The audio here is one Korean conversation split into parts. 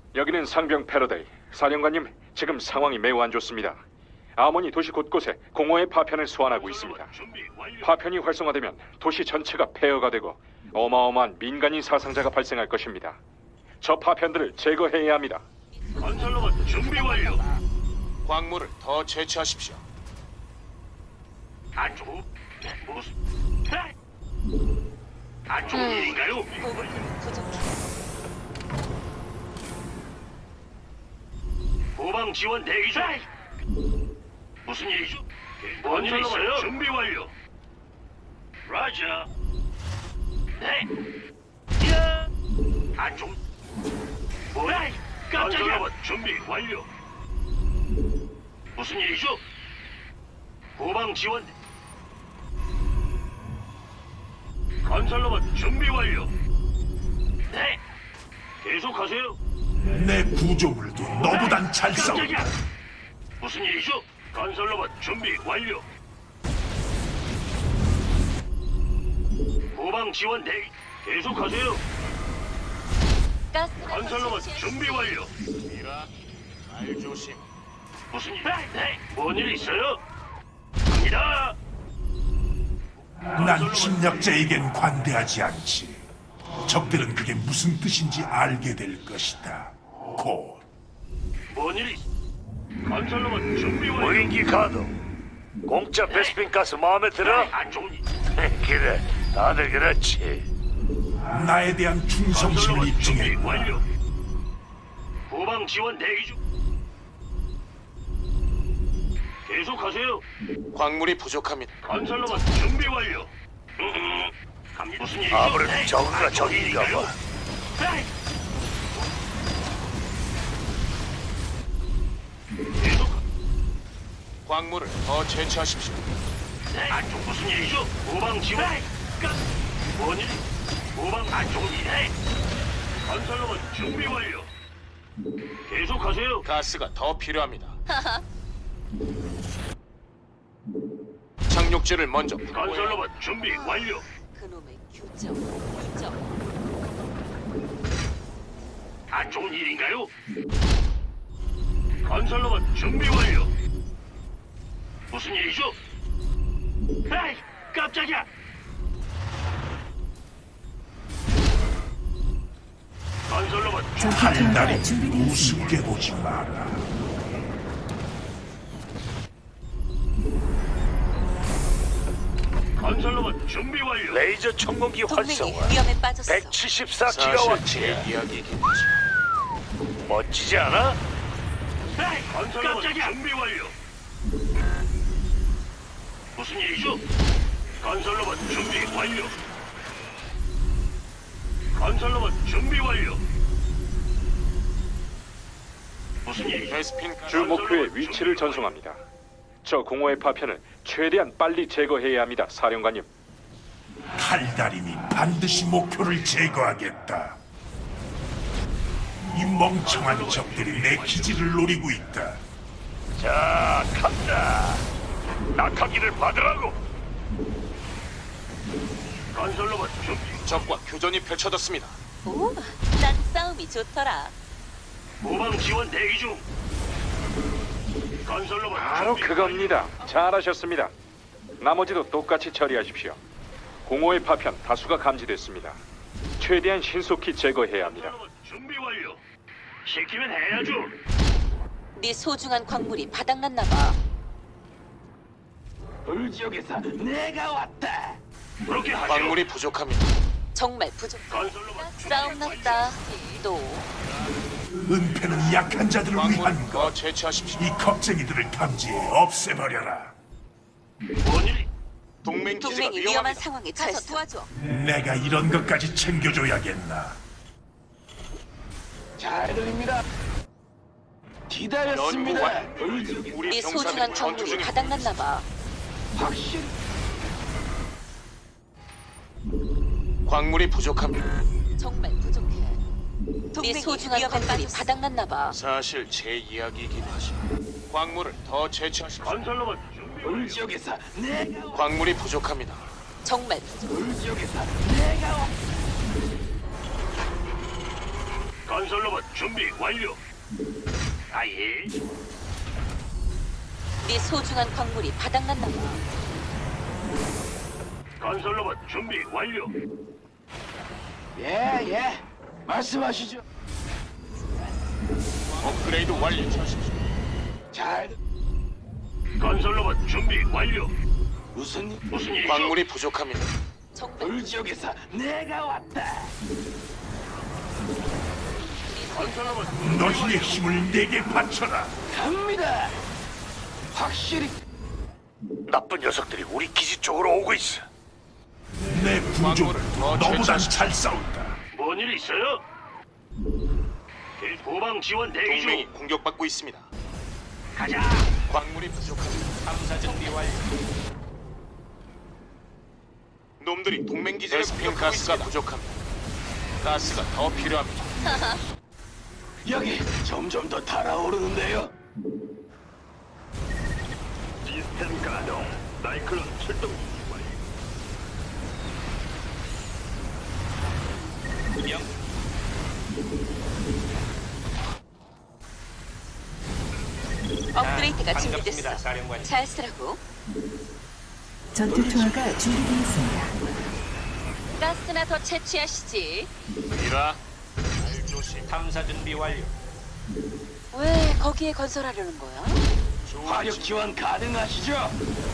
여기는 상병 패러데이. 사령관님, 지금 상황이 매우 안 좋습니다. 아몬이 도시 곳곳에 공허의 파편을 소환하고 있습니다. 준비 완료. 파편이 활성화되면 도시 전체가 폐허가 되고 어마어마한 민간인 사상자가 발생할 것입니다. 저 파편들을 제거해야 합니다. 건설로봇 준비 완료. 광물을 더 채취하십시오. 안 좋은 무슨? 안 좋은 일인가요? 보급품이 부족해. 후방 지원 대기 중. 무슨 일이죠? 뭔 일 있어요? 준비 완료. 라자. 네. 야. 안 좋은. 뭐야? 깜짝이야. 준비 완료. 무슨 일이죠? 후방 지원. 건설로봇 준비 완료. 네. 계속하세요. 내 구조물도 너보단 잘 싸워. 깜짝이야. 무슨 일이죠? 건설로봇 준비 완료. 후방 지원 대기. 계속하세요. 가스가 건설로봇 준비 완료. 미라, 말 조심. 무슨 일? 네. 뭔 일 있어요? 갑니다. 난 침략자에겐 관대하지 않지. 적들은 그게 무슨 뜻인지 알게 될 것이다. 곧. 뭔 일이? 건설로봇 준비 완료. 무인기 가동. 공짜 베스핀 가스 마음에 들어? 안 좋은 일. 그래, 다들 그렇지. 나에 대한 충성심을 건설로봇 준비 입증했다. 완료. 후방 지원 대기 중. 계속하세요. 광물이 부족합니다. 건설로봇 준비 완료. 갑니다. 무슨 일이죠? 아무래도 네. 저그가 안 좋은 적인가 일인가요? 봐. 네. 계속. 광물을 더 채취하십시오. 네. 안 좋은 무슨 일이죠? 후방 지원. 뭔 일? 후방 안 좋은 일. 네. 건설로봇 준비 완료. 계속하세요. 가스가 더 필요합니다. 착륙지를 먼저 건설로봇 준비 완료. 그놈의 규정. 안 좋은 일인가요? 건설로봇 준비 완료. 무슨 일이죠? 에이, 깜짝이야. 건설로봇 달달이 우습게 보지 마라. 건설로봇 준비 완료. 레이저 청공기 동맹이 활성화. 위험에 빠졌어. 174기가와트. 제 이야기이긴 하지. 멋지지 않아? 에이, 건설로봇 준비 완료. 무슨 일이죠? 건설로봇 준비 완료. 건설로봇 준비 완료. 무슨 일이죠? 베스핀 가스 주 목표의 위치를 전송합니다. 저 공허의 파편을 최대한 빨리 제거해야 합니다, 사령관님. 달달임이 반드시 목표를 제거하겠다. 이 멍청한 적들이 내 기지를 노리고 있다. 자, 간다. 낙하기를 받으라고. 건설로봇 준비. 적과 교전이 펼쳐졌습니다. 오, 난 싸움이 좋더라. 후방 지원 대기 중. 건설로봇 바로 준비 그겁니다. 잘하셨습니다. 나머지도 똑같이 처리하십시오. 공허의 파편 다수가 감지됐습니다. 최대한 신속히 제거해야 합니다. 건설로봇 준비 완료. 시키면 해야죠. 네 소중한 광물이 바닥났나 봐. 불지역에서 내가 왔다. 그렇게 하죠. 광물이 부족합니다. 정말 부족. 건설로봇 싸움 났다. 또 은폐는 약한 자들을 위한 광물을 것. 더 채취하십시오. 이 겁쟁이들을 탐지해 없애버려라. 뭔 일이? 동맹 기지가 동맹이 위험한 위험합니다. 상황에 처했어. 도와줘. 내가 이런 것까지 챙겨줘야겠나. 잘 들립니다. 기다렸습니다. 연구 우리 네 소중한 병사들이 전투 광물이 중입니다. 바닥났나 봐. 확실히 광물이 부족합니다. 정말 부족해. 네 소중한 광물이 바닥났나 봐. 사실 제 이야기이긴 하지. 광물을 더 채취하십시오. 건설로봇 준비 완료. 불지역에서 내가 광물이 부족합니다. 정말 부족해. 불지역에서 내가 건설 건설로봇 준비 완료. 아예. 네 소중한 광물이 바닥났나 봐. 건설로봇 준비 완료. 예. 말씀하시죠. 업그레이드 완료. 잘. 건설로봇 준비 완료. 무슨 일이죠? 광물이 부족합니다. 정말 울 지역에서 내가 왔다. 건설로봇 너희의 힘을 내게 바쳐라. 갑니다. 확실히 나쁜 녀석들이 우리 기지 쪽으로 오고 있어. 내 부족 너보단 잘 싸운다. 뭔 일 있어요? 후방 지원 대기 동맹이 중. 공격받고 있습니다. 가자. 광물이 부족합니다. 탐사 준비 완료. 놈들이 동맹 기지를 공격하고 가스가 부족합니다. 가스가 더 필요합니다. 여기 점점 더 달아오르는데요. 시스템 가동. 나이클론 출동 완료. 업그레이드가 준비됐어. 잘 쓰라고. 전투 투하가 준비되었습니다. 가스나 더 채취하시지. 미라. 잘 조심. 탐사 준비 완료. 왜 거기에 건설하려는 거야? 화력 지원 가능하시죠?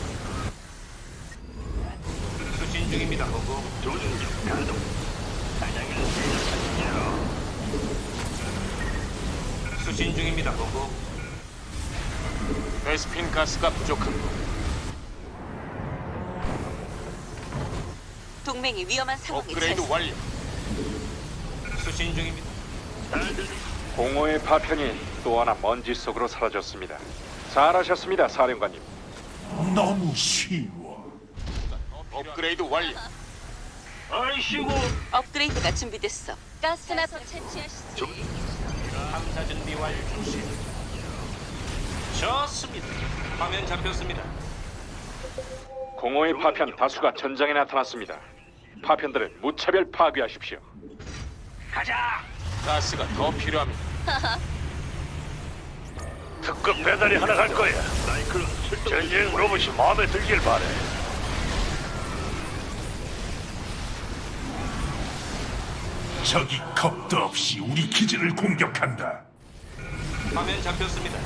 수신 중입니다. 보고. 조준력 가동. 사냥을 시작하시죠. 수신 중입니다. 보고. 베스핀 가스가 부족합니다. 동맹이 위험한 상황에 업그레이드 처했어. 완료. 수신 중입니다. 공허의 파편이 또 하나 먼지 속으로 사라졌습니다. 잘하셨습니다, 사령관님. 너무 쉬워. 업그레이드 완료. 아이씨고. 업그레이드가 준비됐어. 가스나 더 채취하시지. 탐사 준비 완료. 중심. 좋습니다. 화면 잡혔습니다. 공허의 파편 다수가 전장에 나타났습니다. 파편들을 무차별 파괴하십시오. 가자. 가스가 더 필요합니다. 특급 배달이 하나 갈 거야. 나이클론 출동. 전쟁 로봇이 마음에 들길 바래. 적이 겁도 없이 우리 기지를 공격한다. 화면 잡혔습니다.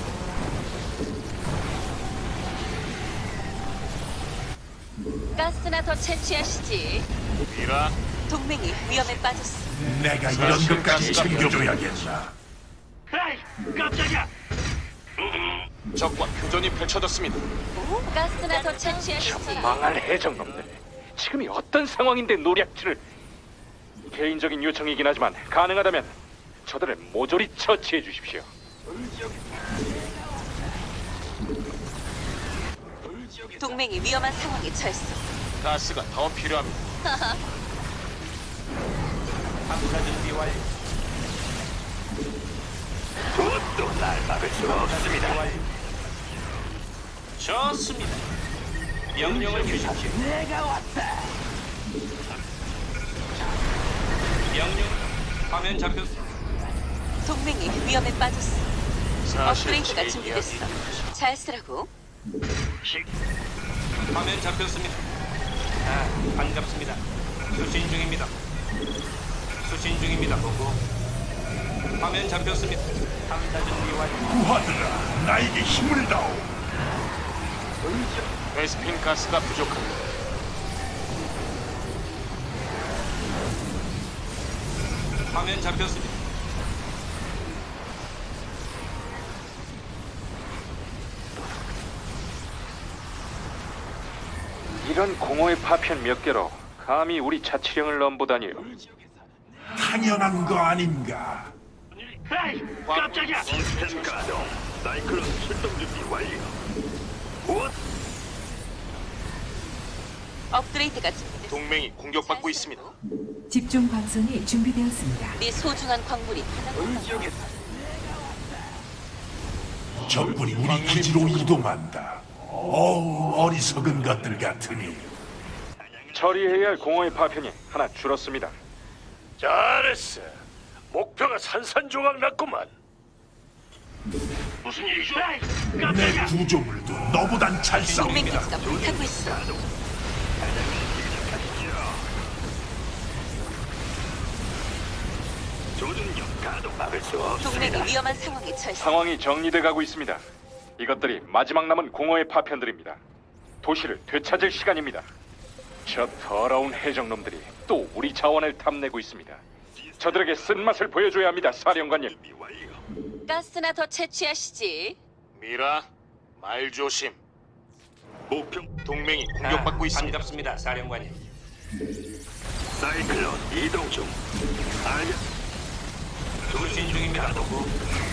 가스나 더 채취하시지. 미라. 동맹이 위험에 빠졌어. 내가 이런 것까지 챙겨줘야겠나. 에이, 깜짝이야. 적과 교전이 펼쳐졌습니다. 가스나 더 채취하시지. 망할 해적놈들. 지금이 어떤 상황인데 노략질을... 개인적인 요청이긴 하지만 가능하다면 저들을 모조리 처치해 주십시오. 동맹이 위험한 상황에 처했어. 가스가 더 필요합니다. 탐사 준비 완료. 또 날 막을 수가 없습니다. 좋습니다. 명령을 주십시오. 내가 왔다. 명령. 화면 잡혔. 동맹이 위험에 빠졌어. 사실 업그레이드가 제 준비됐어. 이야기. 잘 쓰라고. 화면 잡혔습니다. 아, 반갑습니다. 수신 중입니다. 수신 중입니다. 보고. 화면 잡혔습니다. 탐사 준비 완료. 구하들아, 나에게 힘을 다오. 베스핀 가스가 부족합니다. 화면 잡혔습니다. 이런 공허의 파편 몇 개로 감히 우리 자치령을 넘보다니요. 당연한 거 아닌가. 에이, 깜짝이야. 시스템 가동. 나이클론 출동 준비 완료. 곧 업그레이드가 준비됐어. 동맹이 공격받고 있습니다. 집중 방송이 준비되었습니다. 네 소중한 광물이 바닥났나 봐. 적군이 우리 기지로 이동한다. 어우, 어리석은 것들 같으니. 처리해야 할 공허의 파편이 하나 줄었습니다. 잘했어. 목표가 산산조각 났구만. 무슨 일이죠? 내 구조물도 너보단 잘 동맹 싸운다. 기지가 불타고 있어. 조준력 가동. 막을 수 동맹이 없습니다. 위험한 상황에 처했어. 상황이 정리돼 가고 있습니다. 이것들이 마지막 남은 공허의 파편들입니다. 도시를 되찾을 시간입니다. 저 더러운 해적놈들이 또 우리 자원을 탐내고 있습니다. 저들에게 쓴맛을 보여줘야 합니다, 사령관님. 가스나 더 채취하시지. 미라, 말 조심. 목표 동맹이 공격받고 있습니다. 반갑습니다, 사령관님. 사이클론 이동 중. 알겠. 조신 중입니다. 보고.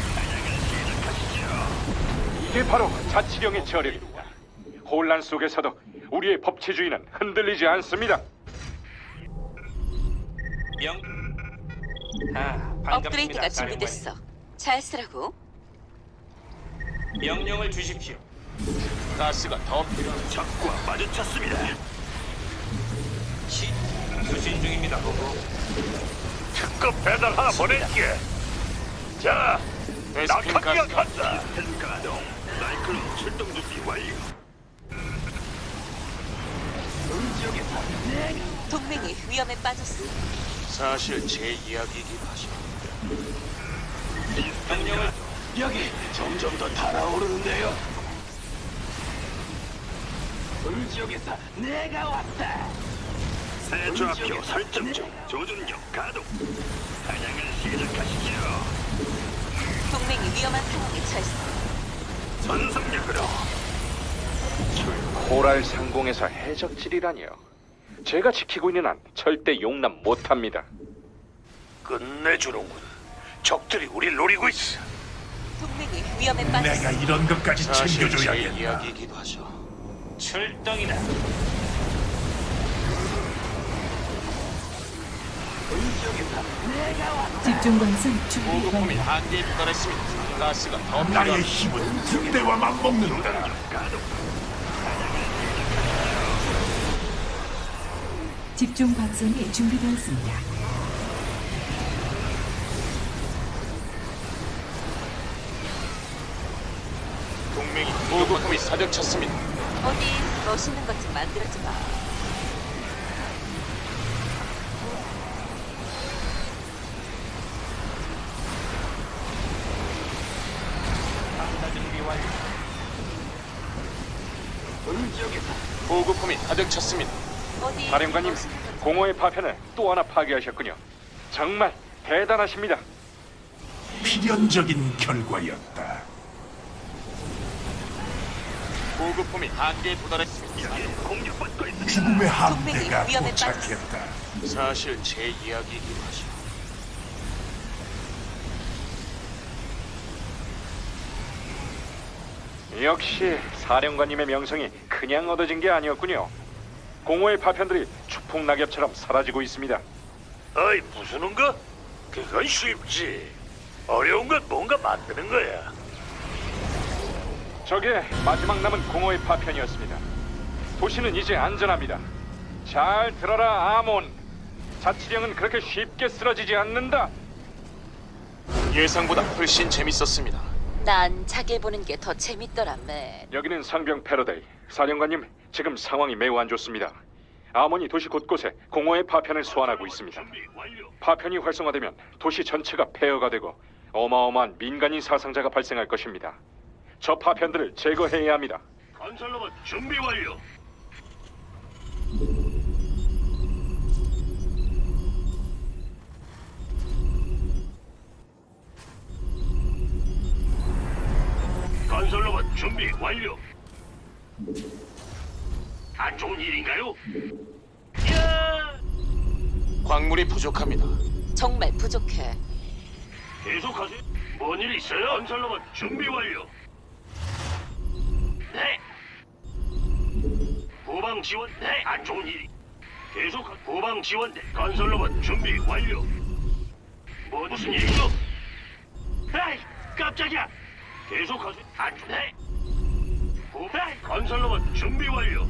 이게 바로 자치령의 저력입니다. 혼란 속에서도 우리의 법치주의는 흔들리지 않습니다. 반갑습니다, 업그레이드가 사령관님. 준비됐어. 잘 쓰라고. 명령을 주십시오. 가스가 더 필요합니다. 적과 마주쳤습니다. 수신 중입니다. 보고. 특급 배달 하나 보낼게. 자, 베스핀 낙하기가 가스가 간다. 가동. 사이클론 출동 준비 완료. 동맹이 위험에 빠졌어. 사실 제 이야기이긴 하죠. 명령을 여기 점점 더 달아오르는데요. 을지역에서 내가 왔다. 새 좌표 설정 중. 조준력 가동. 사냥을 시작하시죠. 동맹이 위험한 상황에 처했어. 전속력으로. 코랄 상공에서 해적질이라니요. 제가 지키고 있는 한 절대 용납 못합니다. 끝내주는군. 적들이 우릴 노리고 있어. 동맹이 위험에 빠졌어. 내가 이런 것까지 사실 제 챙겨줘야겠다. 이야기이기도 하죠. 출동이다. 집중 광선 준비 보급품이 완료. 한계에 도달했습니다. 가스가 더 나의 필요합니다. 힘은 등대와 맞먹는다. 집중 광선이 준비되었습니다. 동맹이 보급품이 사격쳤습니다. 어디 멋있는 것 좀 만들어줘 봐. 보급품이 사격쳤습니다. 어디 사령관님, 멋있는 것 좀. 공허의 파편을 또 하나 파괴하셨군요. 정말 대단하십니다. 필연적인 결과였다. 보급품이 한계에 도달했습니다. 공격받고 있습니다. 죽음의 함대가 동맹이 위험에 도착했다. 사실 제 이야기이기도 하죠. 역시 사령관님의 명성이 그냥 얻어진 게 아니었군요. 공허의 파편들이 추풍 낙엽처럼 사라지고 있습니다. 어이, 부수는 거? 그건 쉽지. 어려운 건 뭔가 만드는 거야. 저게 마지막 남은 공허의 파편이었습니다. 도시는 이제 안전합니다. 잘 들어라, 아몬. 자치령은 그렇게 쉽게 쓰러지지 않는다. 예상보다 훨씬 재밌었습니다. 난 자기 보는 게 더 재밌더라, 맨. 여기는 상병 패러데이. 사령관님, 지금 상황이 매우 안 좋습니다. 아몬이 도시 곳곳에 공허의 파편을 소환하고 있습니다. 준비 완료. 파편이 활성화되면 도시 전체가 폐허가 되고 어마어마한 민간인 사상자가 발생할 것입니다. 저 파편들을 제거해야 합니다. 건설로봇 준비 완료. 건설로봇 준비 완료. 안 좋은 일인가요? 야! 광물이 부족합니다. 정말 부족해. 계속하세요. 뭔 일 있어요? 건설로봇 준비 완료. 네. 후방 지원. 네. 안 좋은 일이. 계속 후방 지원. 건설로봇 준비 완료. 무슨 일이죠? 에이, 깜짝이야. 계속하세요. 안 좋네. 에이, 건설로봇 준비 완료.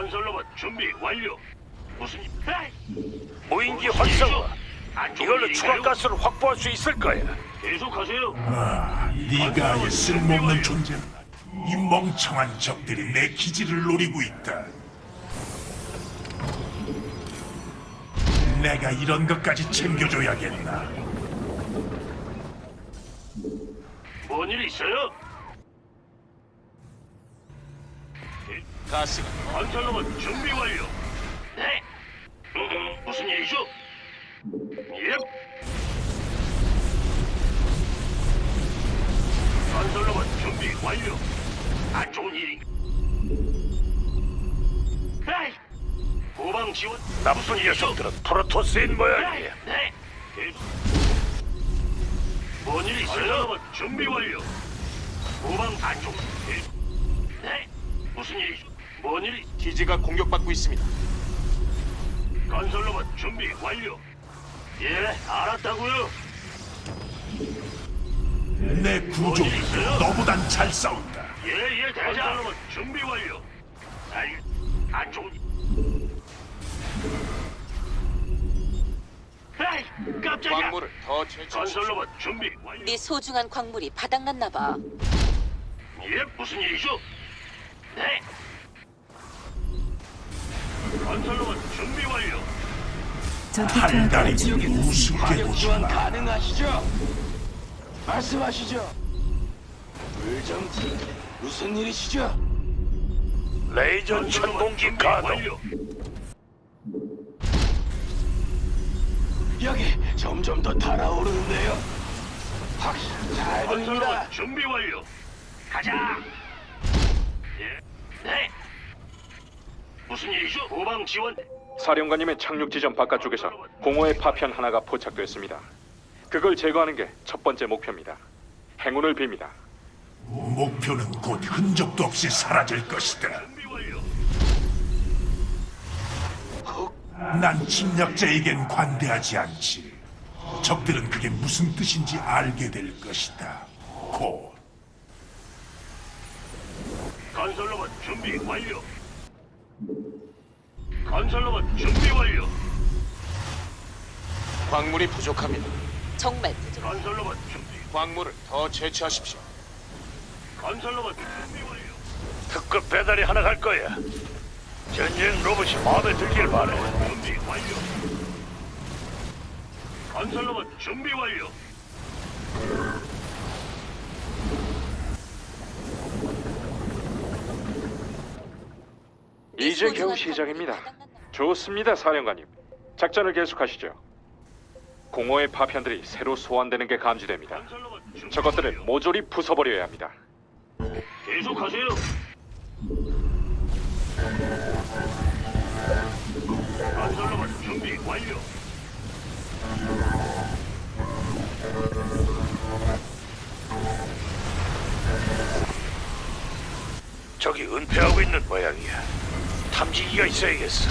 건설로봇 준비 완료. 무슨 일? 에이! 무인기 무슨 활성화. 일이죠? 안 좋은 이걸로 일인가요? 추가 가스를 확보할 수 있을 거야. 계속하세요. 네가 쓸모없는 존재다. 이 멍청한 적들이 내 기지를 노리고 있다. 내가 이런 것까지 챙겨줘야겠나? 뭔 일 있어요? 가스가 건설로봇 준비 완료. 네. 무슨 일이죠? 예. 건설로봇 준비 완료. 안 좋은 일이. 에이! 후방 지원. 나쁜 녀석들은 프로토스인 모양이야. 네. 계속. 뭔 일 있어요? 건설로봇 준비 완료. 후방 안 좋은. 계속. 네. 무슨 일이죠? 뭔 일이? 기지가 공격받고 있습니다. 건설로봇 준비 완료. 예, 알았다고요. 내 구조는 너보단 잘 싸운다. 예, 대장. 건설로봇 준비 완료. 안 좋은. 에이, 깜짝이야. 광물을 더 채취하십시오. 건설로봇 준비 완료. 네 소중한 광물이 바닥났나 봐. 예, 무슨 일이죠? 네. 건설로봇 준비 완료. 전투투하가 달달이 준비되었습니다. 우습게 화력 보지 지원 마. 가능하시죠? 말씀하시죠. 불정지 무슨 일이시죠? 레이저 건설로봇 천공기 준비 가동. 완료. 여기 점점 더 달아오르는데요. 확실히 잘 들립니다. 건설로봇 준비 완료. 가자. 예, 네. 무슨 일이죠? 후방 지원. 사령관님의 착륙 지점 바깥쪽에서 공허의 파편 하나가 포착됐습니다. 그걸 제거하는 게 첫 번째 목표입니다. 행운을 빕니다. 목표는 곧 흔적도 없이 사라질 것이다. 준비 완료. 난 침략자에겐 관대하지 않지. 적들은 그게 무슨 뜻인지 알게 될 것이다. 곧. 건설로봇 준비 완료. 건설로봇 준비 완료. 광물이 부족합니다. 정말 부족. 건설로봇 준비. 광물을 더 채취하십시오. 건설로봇 준비 완료. 특급 배달이 하나 갈 거야. 전쟁 로봇이 마음에 들길 바래. 준비 완료. 건설로봇 준비 완료. 이제 겨우 소중한 시작입니다. 광물이 바닥났나 봐. 좋습니다, 사령관님. 작전을 계속하시죠. 공허의 파편들이 새로 소환되는 게 감지됩니다. 건설로봇 준비 저것들을 완료. 모조리 부숴버려야 합니다. 계속하세요. 건설로봇 준비 완료. 저기 은폐하고 있는 모양이야. 탐지기가 있어야겠어.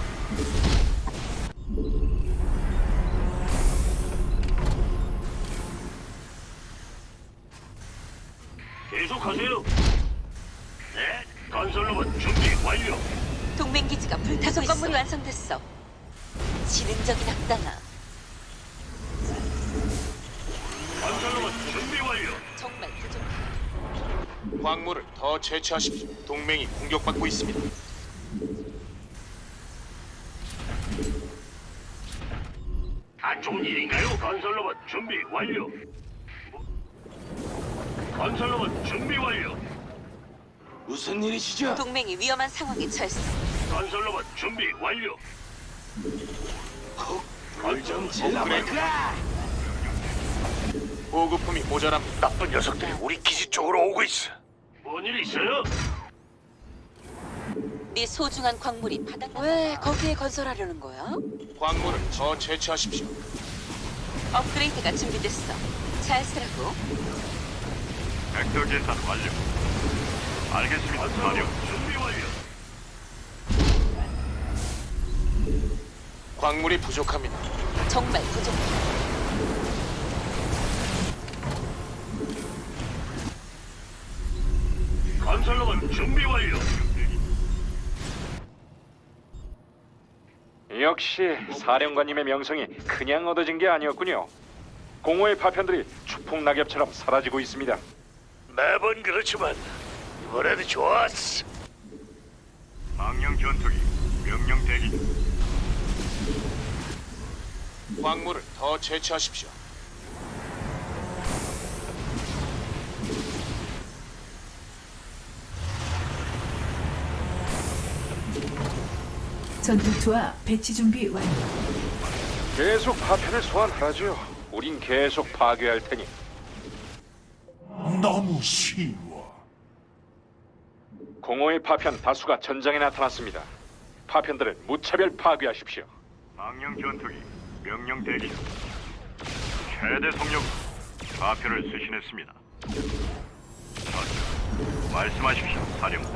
계속하세요. 네. 건설로봇 준비 완료. 동맹 기지가 불타고 있어. 건물이 완성됐어. 지능적인 악당아. 건설로봇 준비 완료. 정말 부족해. 광물을 더 채취하십시오. 동맹이 공격받고 있습니다. 안 좋은 일인가요? 건설로봇 준비 완료. 건설로봇 준비 완료. 무슨 일이시죠? 동맹이 위험한 상황에 처했어. 건설로봇 준비 완료. 불좀 질러볼까? 보급품이 모자랍니다. 나쁜 녀석들이 우리 기지 쪽으로 오고 있어. 뭔 일 있어요? 네 소중한 광물이 바닥났나 봐. 왜 거기에 건설하려는 거야? 광물을 더 채취하십시오. 업그레이드가 준비됐어. 잘 쓰라고. 벡터 계산 완료. 알겠습니다. 사령 준비 완료. 광물이 부족합니다. 정말 부족해. 건설로봇 준비 완료. 역시 사령관님의 명성이 그냥 얻어진 게 아니었군요. 공허의 파편들이 추풍 낙엽처럼 사라지고 있습니다. 매번 그렇지만 이번에도 좋았어. 망령 전투기 명령 대기 중. 광물을 더 채취하십시오. 전투투와 배치 준비 완료. 계속 파편을 소환하라죠. 우린 계속 파괴할 테니. 너무 쉬워. 공허의 파편 다수가 전장에 나타났습니다. 파편들을 무차별 파괴하십시오. 망령 전투기 명령 대기 중. 최대 속력 좌표를 수신했습니다. 말씀하십시오, 사령관.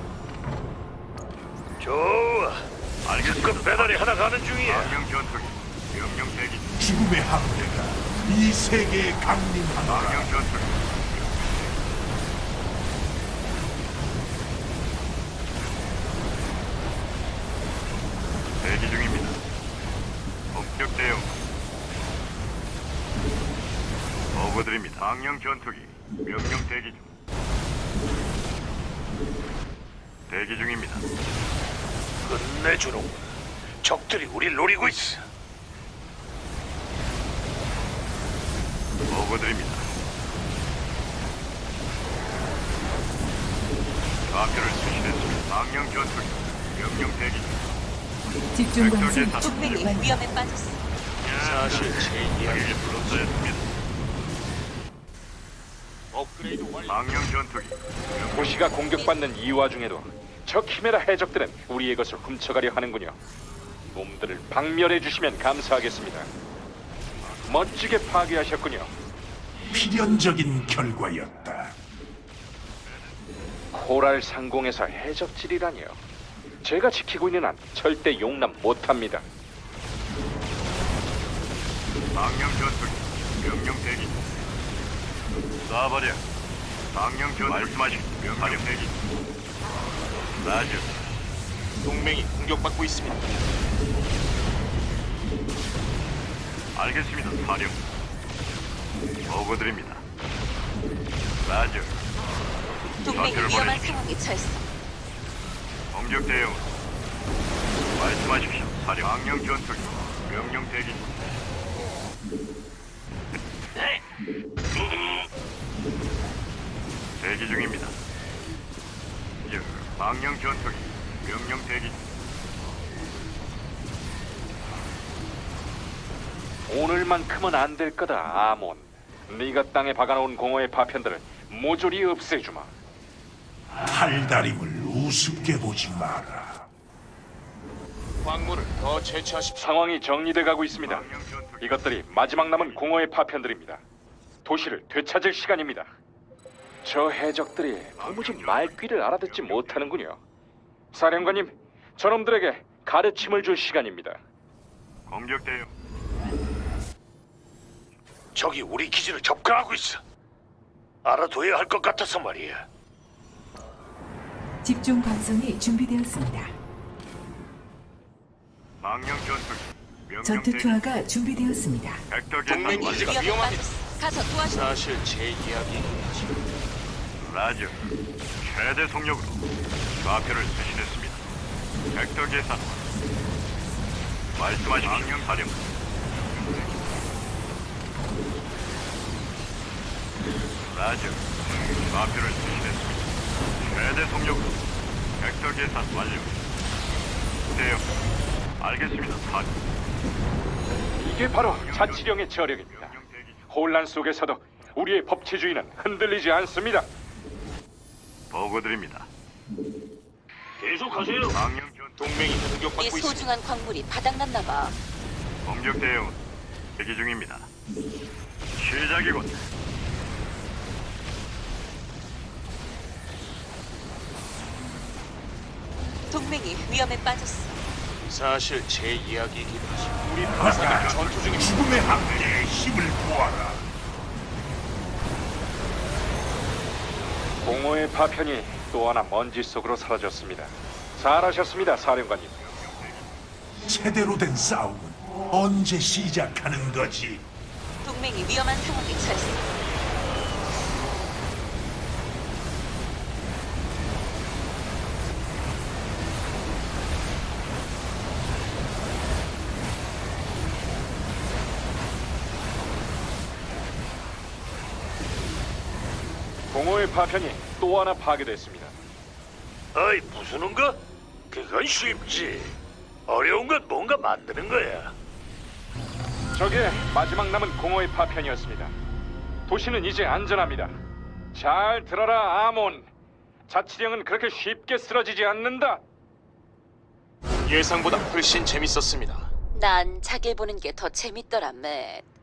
좋아. 알겠습니다. 그 배달이 하나 가는 중이야. 망령 전투기 명령 대기 중. 죽음의 함대가 이 세계에 강림하노라. 망령 전투기 대기 중입니다. 본격 대응. 보고드립니다. 망령 전투기 명령 대기 중. 대기 중입니다. 끝내주는 적들이 우릴 노리고 있어. 보고드립니다. 좌표를 수신했습니다. 망령 전투기 명령 대기 중. 집중 관성 벡터 동맹이 준비 완료. 위험에 빠졌어. 사실 제 이야기 불렀어였습니다. 업그레이드 완료. 망령 전투기 도시가 공격받는 이 와중에도 저 키메라 해적들은 우리의 것을 훔쳐가려 하는군요. 놈들을 박멸해 주시면 감사하겠습니다. 멋지게 파괴하셨군요. 필연적인 결과였다. 코랄 상공에서 해적질이라니요. 제가 지키고 있는 한 절대 용납 못합니다. 망령 전투기 명령 대기 중. 쏴버려. 망령 전투기 말씀하십시오. 명령 대기 중. 라즈 동맹이 공격받고 있습니다. 알겠습니다. 사령. 보고드립니다. 라즈 동맹이 위험한 상황에 처했어. 공격 대응. 말씀하십시오. 사령. 망령 전투기 명령 대기 중. 대기 중입니다. 망령 전투기 명령 대기 중. 오늘만큼은 안 될 거다, 아몬. 네가 땅에 박아놓은 공허의 파편들을 모조리 없애주마. 탈다림을 우습게 보지 마라. 광물을 더 채취하십시오. 상황이 정리돼 가고 있습니다. 망령 전투기 이것들이 마지막 남은 공허의 파편들입니다. 도시를 되찾을 시간입니다. 저 해적들이 도무지 말귀를 알아듣지 못하는군요. 사령관님, 저놈들에게 가르침을 줄 시간입니다. 공격 대응. 적이 우리 기지를 접근하고 있어. 알아둬야 할 것 같아서 말이야. 집중 관성이 준비되었습니다. 망령 전투기 명령 전투 대기. 투하가 준비되었습니다. 벡터 동맹 계산 기지가 완료. 위험에 위험합니다. 빠졌어. 가서 도와줘. 사실 제 이야기 라즈 최대 속력으로 좌표를 수신했습니다. 벡터 계산 말씀하십시오. 망령 사령. 라즈 좌표를 수신했습니다. 최대 속력으로 벡터 계산 완료. 대응. 알겠습니다. 사령. 이게 바로 자치령의 저력입니다. 혼란 속에서도 우리의 법치주의는 흔들리지 않습니다. 보고드립니다. 계속하세요. 망령 전 동맹이 네 공격받고 있습니다. 소중한 광물이 바닥났나 봐. 공격 대응 대기 중입니다. 시작이군. 동맹이 위험에 빠졌어. 사실 제 이야기이긴 하죠. 우리 바다가 전투 중입니다. 죽음의 함대의 힘을 보아라. 공허의 파편이 또 하나 먼지 속으로 사라졌습니다. 잘하셨습니다, 사령관님. 제대로 된 싸움은 언제 시작하는 거지? 동맹이 위험한 상황에 처했어. 공허의 파편이 또 하나 파괴됐습니다. 어이, 부수는 거? 그건 쉽지. 어려운 건 뭔가 만드는 거야. 저게 마지막 남은 공허의 파편이었습니다. 도시는 이제 안전합니다. 잘 들어라, 아몬. 자치령은 그렇게 쉽게 쓰러지지 않는다. 예상보다 훨씬 재밌었습니다. 난 자기 보는 게 더 재밌더라, 맷.